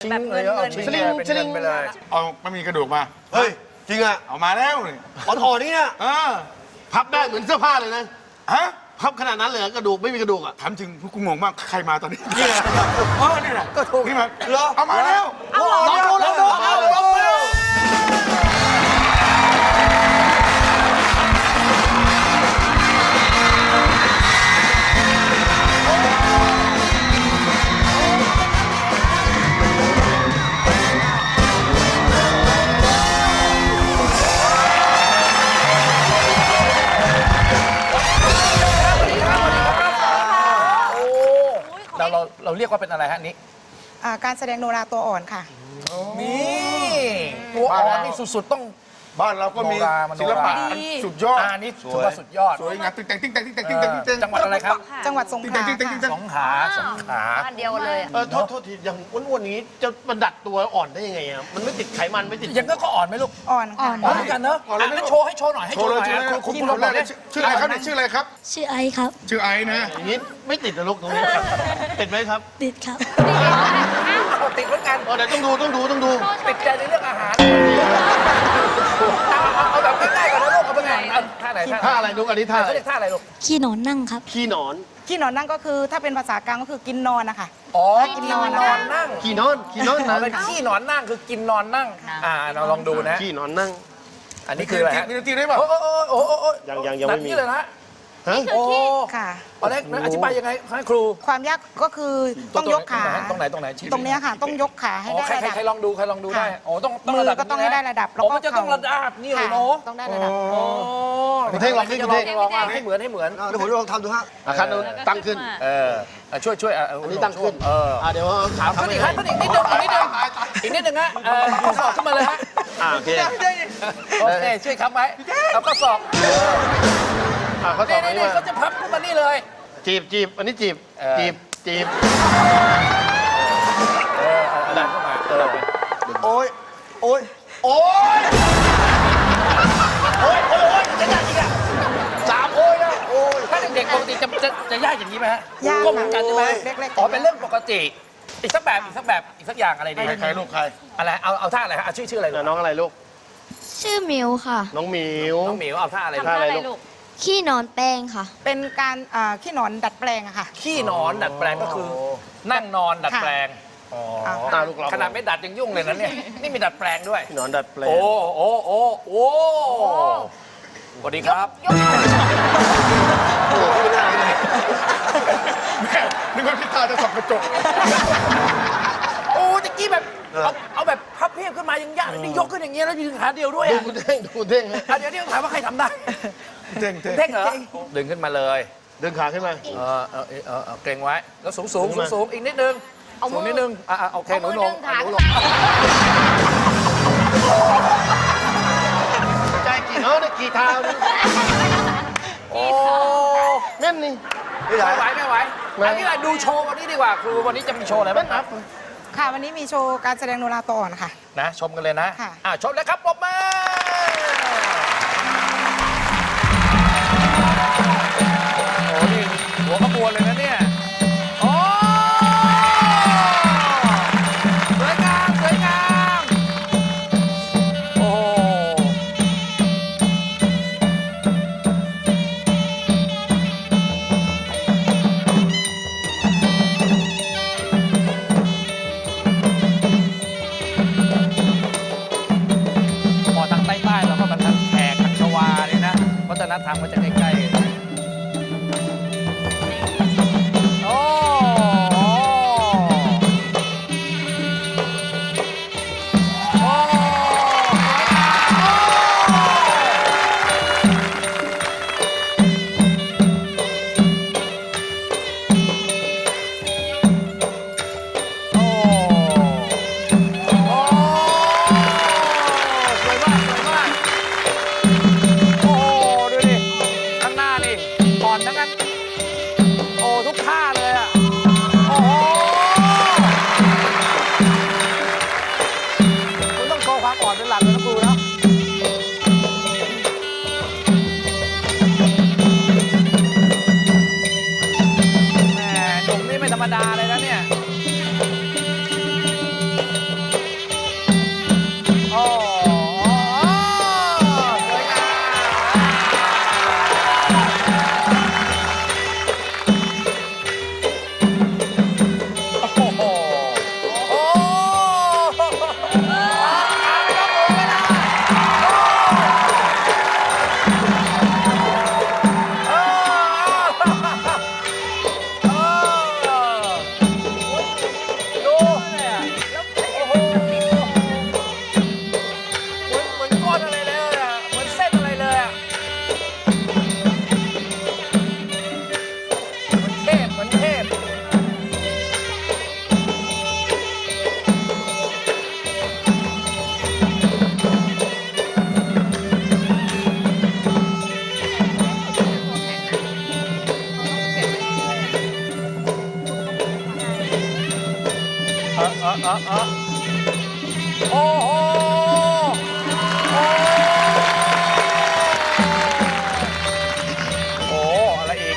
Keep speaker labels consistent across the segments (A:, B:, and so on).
A: แบบเงิน
B: สลิง
C: ไปเลยเอาไม่มีกระดูกมา
B: เฮ้ยจริงอ่ะ
C: เอามาแล้วนี่
B: อ่อนๆนี่เนี่ย
D: พับได้เหมือนเสื้อผ้าเลยนะ
C: ฮะ
D: พับขนาดนั้นเลยเหรอกระดูกไม่มีกระดูกอ่ะ
C: ถามจริงกูงงมากใครมาตอนนี้
B: นี่แหละ
C: นี่แหละก็ถูกนี่มา
B: เหรอ
C: เอามาแล้ว
B: ลองดูเอาลองดู
A: เราเรียกว่าเป็นอะไรฮะนี้
E: การแสดงโนราตัวอ่อนค่ะ
A: นี่ตัวอ่อนนี่สุดๆต้อง
C: บ้านเราก็มีศิลปะอันสุดยอด
A: อันนี้ถือว่าสุดยอด
C: สวยงามติ๊งแต่งติ๊งแต่งติ๊งแต่งติ๊งแต่งติ๊งแต่ง
A: จังหวัดอะไรครับ
E: จังหวัดสงขลา
C: ติ๊งแต่งติ๊งแต่งติ๊งแต่ง
E: ค่ะ
A: สงขลา
F: บ้านเดียวเลย
D: โทษทีอย่างอ้วนๆอย่างนี้จะประดัดตัวอ่อนได้ยังไงอ่ะมันไม่ติดไขมันไม่ติด
A: ยังก็อ่อนไหมลูก
E: อ่อนค่ะ
A: อ่อนเหมือนกันเนอะงั้นโชว์ให้โชว์หน่อยให้
C: โช
A: โช
C: ว์
A: ว์
C: เล
A: ห
C: ย
A: น่อย
C: ชื่อ
A: นะคุณ
C: คนแรกชื่ออะไรครับเนี่ยชื่ออะไรครับ
G: ชื่อไอซ์ครับ
C: ชื่อไอซ์นะ
D: อย่างนี้ไม่ติดนะลูกตรงนี้ติดไหมครับ
G: ติดครับ
A: ติดเหมือนกัน
D: เดี๋ยวต้องดู
A: ติดใจในเรื่องอาหารเอาแบบง่ายๆก่อนนะลูกเอาเป็นไงท่าไหน
D: ท่าอะไรลูกอันนี้ท่าอะไร
A: เขาเรียกท่าอะไรลูก
G: ขี้หนอนนั่งครับ
D: ขี้หนอน
E: ขี้หนอนนั่งก็คือถ้าเป็นภาษากลางก็คือกินนอนนะคะ
A: อ๋อ
E: กินนอน
A: นั่ง
D: ขี้นอน
A: อ๋อ
D: นะ
A: เป็นขี้หนอนนั่งคือกินนอนนั่งเราลองดูนะ
D: ขี้นอนนั่ง
A: อันนี้คืออะไรฮะ
C: มีดนตรีได้ป่ะ
A: โอ้
D: ยังไม่มี
A: แบบนี้เลยนะ
D: ฮะ
A: โอ้
E: ค่ะ
A: ตอนแรกอธิบายยังไงให้ครู
E: ความยากก็คือต้องยกขา
A: ตรงไหนชี้
E: ตรงเนี้ยค่ะ ต้องยกขาให้ได้ระดับ
A: ใครลองดูได้โอ้ต้อง
E: มือก็ต้องให้ได้ระดับแล้วก็
A: มันจะต้องระดับนี่เลย
E: ค่ะ
A: เนาะ
E: ต้องได้ระดับ
D: คุณเท่งลองดิคุณเท่ง
A: ลองให้เหมือน
B: เดี๋ยวผมลองทำดูฮะ
D: คันตั้งขึ้น
A: ช่วย
D: อันนี้ตั้งขึ้นเดี๋ยวขา
A: ขึ้นอีกนิดนึงอีกนิดนึงฮะข้อศอกขึ้นมาเลยฮะ
D: โอเค
A: โอเคช่วยค้ำไว้เอาข้อศอก
D: เขาต่อไป
A: นี่
D: ว่า
A: ก็จะพับขึ้นมานี่เลย
D: จีบอันนี้จีบ
A: ดันเข้ามา
B: โอ้ย
A: จะยากอีกอ่ะ
D: 3 โอ้ยนะโอ้ย
A: ถ้าเด็กๆปกติจะยากอย่างนี้ไหมฮะ
E: ยาก
A: ก็เหมือนกันใช่ไหม
E: เล็กๆ
A: อ๋อเป็นเรื่องปกติอีกสักอย่างอะไรดี
C: ใครลูกใคร
A: อะไรเอาท่าอะไรฮะชื่ออะไร
D: น้องอะไรลูก
G: ชื่อมิวค่ะ
D: น้องหมิว
A: น้องหมิวเอาท่าอะไร
F: ทำท่าอะไรลูก
G: ขี้หนอนแป้งค่ะ
E: เป็นการขี้หนอนดัดแปลงอะค่ะ
A: ขี้นอนดัดแปลงก็คือ นั่งนอนดัดแปลง
D: ลูกเรา
A: ขนาดไม่ดัดยังยุ่งเลยนะเนี่ยนี่มีดัดแปลงด้วย
D: หนอนดัดแปลง
A: โอ้สวัสดีครับ
C: นึกว่าพี่ตาจะส่องกระจก
A: โอ้ตะกี้แบบเอาแบบพับเพียบขึ้นมายังยากนี่ยกขึ้นอย่างเงี้ยแล้วยืนขาเดียวด้วย
D: ดู
A: อ่ะ
D: คุณเท่งฮะ
A: เดี๋ยวถามว่าใครทำได้
C: เท่ง
A: เท่งเหรอดึงขึ้นมาเลย
D: ดึงขาขึ้นมา
A: เกรงไว้แล้วสูงอีกนิดนึงสูงนิดนึงโอเคหนูลง
F: เอามือดึงขา
A: หนูลง
D: ใจกี่เท้าเนี่ยกี่เท้าเนี่ย
A: โอ้
D: แม่นนี่
A: ไม่ไหวอันนี้ดูโชว์วันนี้ดีกว่าครูวันนี้จะมีโชว์อะไรบ้างครับ
E: ค่ะวันนี้มีโชว์การแสดงโนราตัวอ่อนค่ะ
A: นะชมกันเลยนะ
E: ค่ะ
A: ชมเลยครับปรบมือโอ้นี่หัวขบวนเลยนะเนี่ยโอ้สวยงามโอ้พอทางใต้ๆเราก็บรรทัดแขกทางชวาเนี่ยนะวัฒนธรรมก็จะใกล้ๆโอ้สวยมาก โอ้ดูดิโอ้โหโอ้โหอะไรอีก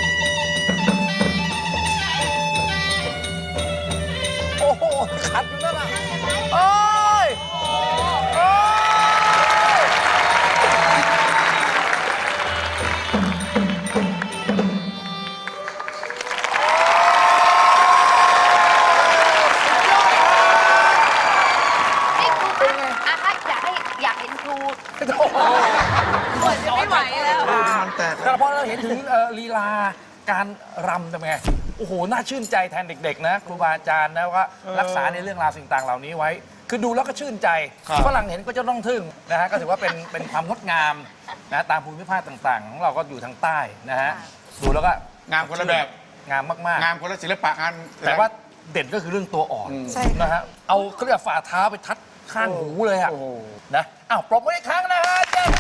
A: โอ้โหขัดอยู่นั่นน่ะโอ้ยโอ้ย
F: นี่ครูคะอาคะอยากเห็นครู
A: ปวดจะไม่ไหวแล้ว
C: มันแตก
A: แต่พอเราเห็นถึงลีลาการรำเป็นไง โอ้โห น่าชื่นใจแทนเด็กๆนะครูบาอาจารย์นะว่ารักษาในเรื่องราวสิ่งต่างเหล่านี้ไว้ คือดูแล้วก็ชื่นใจฝรั่งเห็นก็จะต้องทึ่งนะฮะ ก็ถือว่าเป็นความงดงามนะตามภูมิภาคต่างๆ ของเราก็อยู่ทางใต้นะฮะ ดูแล้วก็
C: งามคนละแบบ
A: งามมาก
C: งามคนละศิลปะงาน
A: ๆ แต่ว่าเด่นก็คือเรื่องตัวอ่อน
E: ใช่
A: นะฮะ เอาเขาเรียกว่าฝ่าเท้าไปทัดข้างหูเลยอะ
C: โอ้โห
A: นะอ้าวปรบมืออีกครั้งนะฮะเจ้า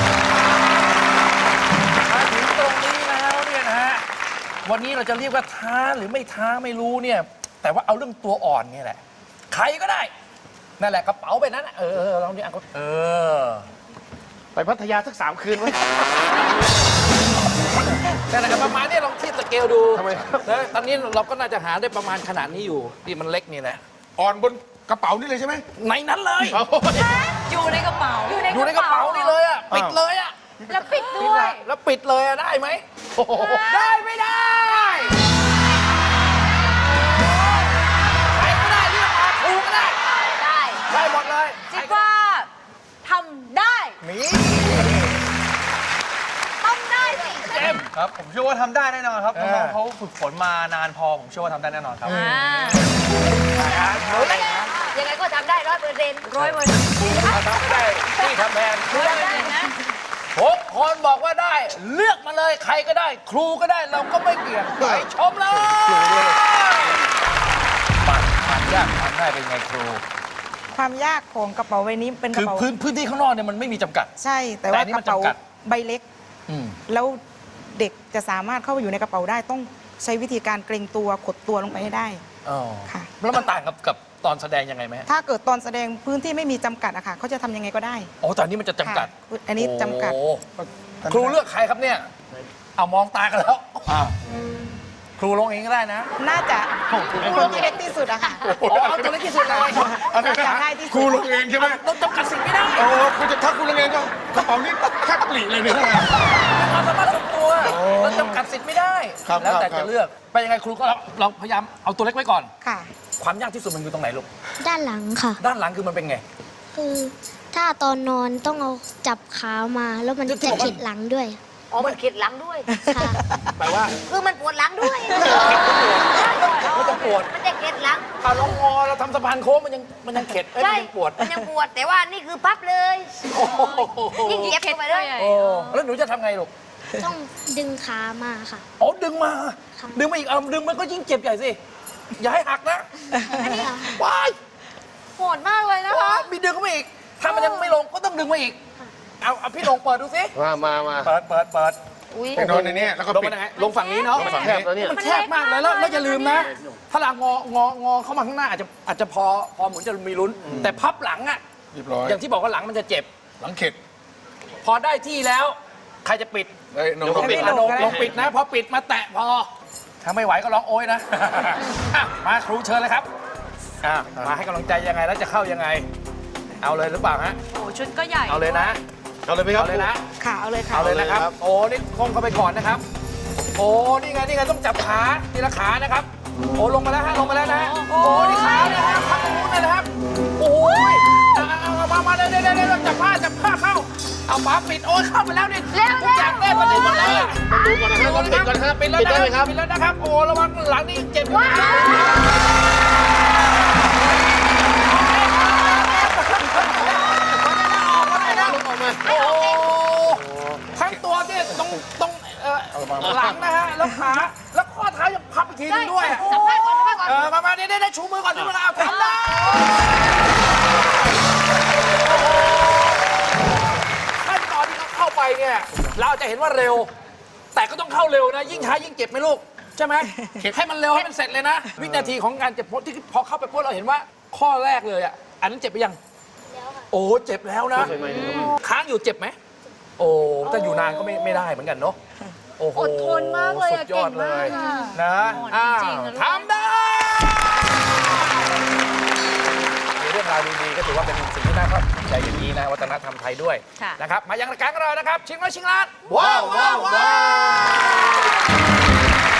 A: มาถึงตรงนี้แล้วเนี่ยนะฮะ วันนี้เราจะเรียกว่าท้าหรือไม่ท้าไม่รู้เนี่ย แต่ว่าเอาเรื่องตัวอ่อนเนี่ยแหละ ใครก็ได้ นั่นแหละกระเป๋าไปนั้นน่ะลองดิอ่ะ
D: ไปพัทยาสัก3 คืนไว้
A: นั่นแหละประมาณนี้ลองเทียบสเกลดู
D: ทำไม
A: นะตอนนี้เราก็น่าจะหาได้ประมาณขนาดนี้อยู่ที่มันเล็กนี่แหละ
C: อ่อนบนกระเป๋านี่เลยใช่ไหม
A: ในนั้นเลย
F: อยู่ในกระเป๋า
A: อยู่ในกระเป๋านี่เลยอ่ะปิดเลยอ่ะ
F: แล้วปิดด้วย
A: แล้วปิดเลยอะได้ไหมได้ไม่ได้ใครก็ได้เรียกมาครูก็ได้
F: ได้
A: ได้หมดเลย
F: คิดว่าทำได้
A: หมี
F: ต้องได้สิ
A: เจมส์
H: ครับ ผมเชื่อว่าทำได้แน่นอนครับ
A: เออ
H: น้องๆเขาฝึกฝนมานานพอ ผมเชื่อว่าทำได้แน่นอนครับ
F: ยังไงก็ทำได้100%100%
A: ทำไม่ได้ที่ทำแทน
F: ได้นะ
A: ผมคนบอกว่าได้ เลือกมาเลยใครก็ได้ ครูก็ได้เราก็ไม่เกี่ยงไปชมเลยความยากความง่ายเป็นไงครู
E: ความยากของกระเป๋าใบนี้เป็นก
A: คื
E: ระ
A: อ
E: เป๋า
A: พื้นที่ข้างนอกเนี่ยมันไม่มีจำกัด
E: ใช่ แต่
A: แต่
E: ว่า
A: อันนี้
E: ก
A: มัน
E: ระเป๋า
A: จำกัด
E: ใบเล็ก
A: อืม
E: แล้วเด็กจะสามารถเข้าไปอยู่ในกระเป๋าได้ต้องใช้วิธีการเกรงตัวขดตัวลงไปให้ได้
A: อ๋อ
E: ค่ะ
A: แล้วมันต่างกับตอนแสดงยังไงไหม
E: ถ้าเกิดตอนแสดงพื้นที่ไม่มีจำกัดอะค่ะเขาจะทำยังไงก็ได้
A: โอ้แต่อันนี้มันจะจำกัด
E: ค่ะอันนี้จำกัด
A: โอ้ครูเลือกใครครับเนี่ย เอามองตากันแล้วครูลงเองก็ได้นะ
E: น่าจะตัวที่เล็กที่สุดอะค่ะ
A: อ๋อเอาตัวเล็กที่สุดเลย
C: อะไร
E: อยาก
C: นะ
E: ได้ที่สุด
C: ครูลงเองใช่ไหม
A: ต้องจำกัดสิ่งไม่ได้
C: โอ้คุณจะถ้าคุณลงเองก็กระเป๋านี้แค่ปลีเลยเนี่ย
A: ความสามารถส่วนตัวเราจำกัดสิทธิ์ไม่ได้
C: ครับ
A: แล้วแต่
C: ครับ
A: จะเลือกไปยังไงครูก็เราพยายามเอาตัวเล็กไว้ก่อน
E: ค่ะ
A: ความยากที่สุดมันอยู่ตรงไหนลูก
G: ด้านหลังค่ะ
A: ด้านหลังคือมันเป็นไง
G: คือถ้าตอนนอนต้องเอาจับขามาแล้วมันจะขิดหลังด้วย
F: อ๋อ มันเข็ดหลังด้วย
G: ค่ะ
A: แปลว่า
F: คือมันปวดหลังด้วย
A: มันจะปวด
F: มันจะเข็ดหลัง
A: เอาลองงอเราทำสะพานโค้งมันยังเข็ดเอ้ย
F: ใช่
A: มันยังปวด
F: มันยังปวด แต่ว่านี่คือพับเลย
A: โอ้โห
F: ยิ่งเย็บเข้าไปเลย
A: โอ้แล้วหนูจะทำไงลูก
G: ต้องดึงขามาค่ะ
A: อ๋อดึงมา
G: ค่ะ
A: ดึงมาอีกเอาดึงมันก็ยิ่งเจ็บใหญ่สิ อย่าให้หักนะ
G: ค่ะ
A: ว้าย
F: โหดมากเลยนะ
A: ว้า
F: คะ
A: ยมีดึงเข้ามาอีก ถ้ามันยังไม่ลงก็ต้องดึงมาอีก เอาพี่ลงเปิดดูสิ
D: มา
A: เปิด
F: อุ้ย
C: ไปนอนในนี้แล้วก็
A: ลง
C: ปิ
A: มา
C: ด
A: ไหนลงฝั่งนี้เนาะ
C: ลงฝั่ง
D: แคบแล้วเนี่ย
A: มันแคบมากเลยแล้วอย่าลืมนะ ถ้าหลังงอเข้ามาข้างหน้าอาจจะพอเหมือนจะมีลุ้น แต่พับหลังอ่ะ
C: เรียบร้อย
A: อย่างที่บอกว่าหลังมันจะเจ็บ
C: หลังเข็ด
A: พอได้ที่แล้ว ใครจะปิด
C: เอ้ยน้อง
A: เดี๋ยวผมปิด
E: ให้
A: นะ
E: พี่ลงก็ได้
A: ลงปิดนะ พอปิดมาแตะพอ ถ้าไม่ไหวก็ร้องโอยนะ อ่ะมาครูเชิญเลยครับมาให้กำลังใจยังไงแล้วจะเข้ายังไง เอาเลยหรือเปล่าฮะ
F: โอ้ชุดก็ใหญ่
A: เอาเลยนะ
D: เอาเลยไหมครับ
A: เอาเลยนะ
E: ค่ะเอาเลยค่ะ
A: เอาเลยนะครับ
D: เอาเลยครับ
A: โอ้นี่คงเข้าไปก่อนนะครับ โอ้นี่ไงต้องจับขาทีละขานะครับ โอ้ลงมาแล้วฮะลงมาแล้วนะฮะโอ้นี่ขานะฮะพักตรงนู้นเลยนะครับ โอ้ยเอามาเดี๋ยวจับผ้าเข้า เอาฝาปิดโอ้ยเข้าไปแล้วนี่ทุกอย่างได้ประเด็นหมดเลยอะ
D: ดูก่อนนะครับต้องปิดก่อนนะครับ
A: ปิดแล้ว
D: ปิดได้ไหมครับ
A: ปิดแล้วนะครับ โอ้ระวังหลังนี่เจ็บอยู่นะโอ้ทั้งตัวที่ตรงหลังนะฮะแล้วขาแล้วข้อเท้ายังพับอีกทีนึงด้วย
F: สัมภาษณ์ก่อนสัมภาษณ์ก่อน
A: มาได้ชูมือก่อนชูมือเอาทำได้ขั้นตอนที่เขาเข้าไปเนี่ยเราจะเห็นว่าเร็ว แต่ก็ต้องเข้าเร็วนะ ยิ่งช้ายิ่งเจ็บไหมลูก ใช่ไหมให้มันเร็วให้มันเสร็จเลยนะ วินาทีของการเจ็บที่พอเข้าไปปุ๊บเราเห็นว่าข้อแรกเลยอะอันนั้นเจ็บไปยัง โอ้เจ็บแล้วนะ ค้างอยู่เจ็บไหม โอ้ถ้าอยู่นานก็ไม่ได้เหมือนกันเนาะ โอ้โห
F: อดทนมากเลยอะ
A: สุดยอดเล
F: เก่งมาก
A: ย
F: อะ
A: นะ
F: โหด
A: อ้าว
F: จริงๆนะลูก
A: ทำได้มีเรื่องราวดีๆก็ถือว่าเป็นสิ่งที่น่าภาคภูมิใจอย่างนี้นะวัฒนธรรมไทยด้วย
F: ค่ะ
A: นะครับ มายังรายการของเรานะครับ ชิงร้อยชิงล้าน
B: ว้าวว้าวว้าว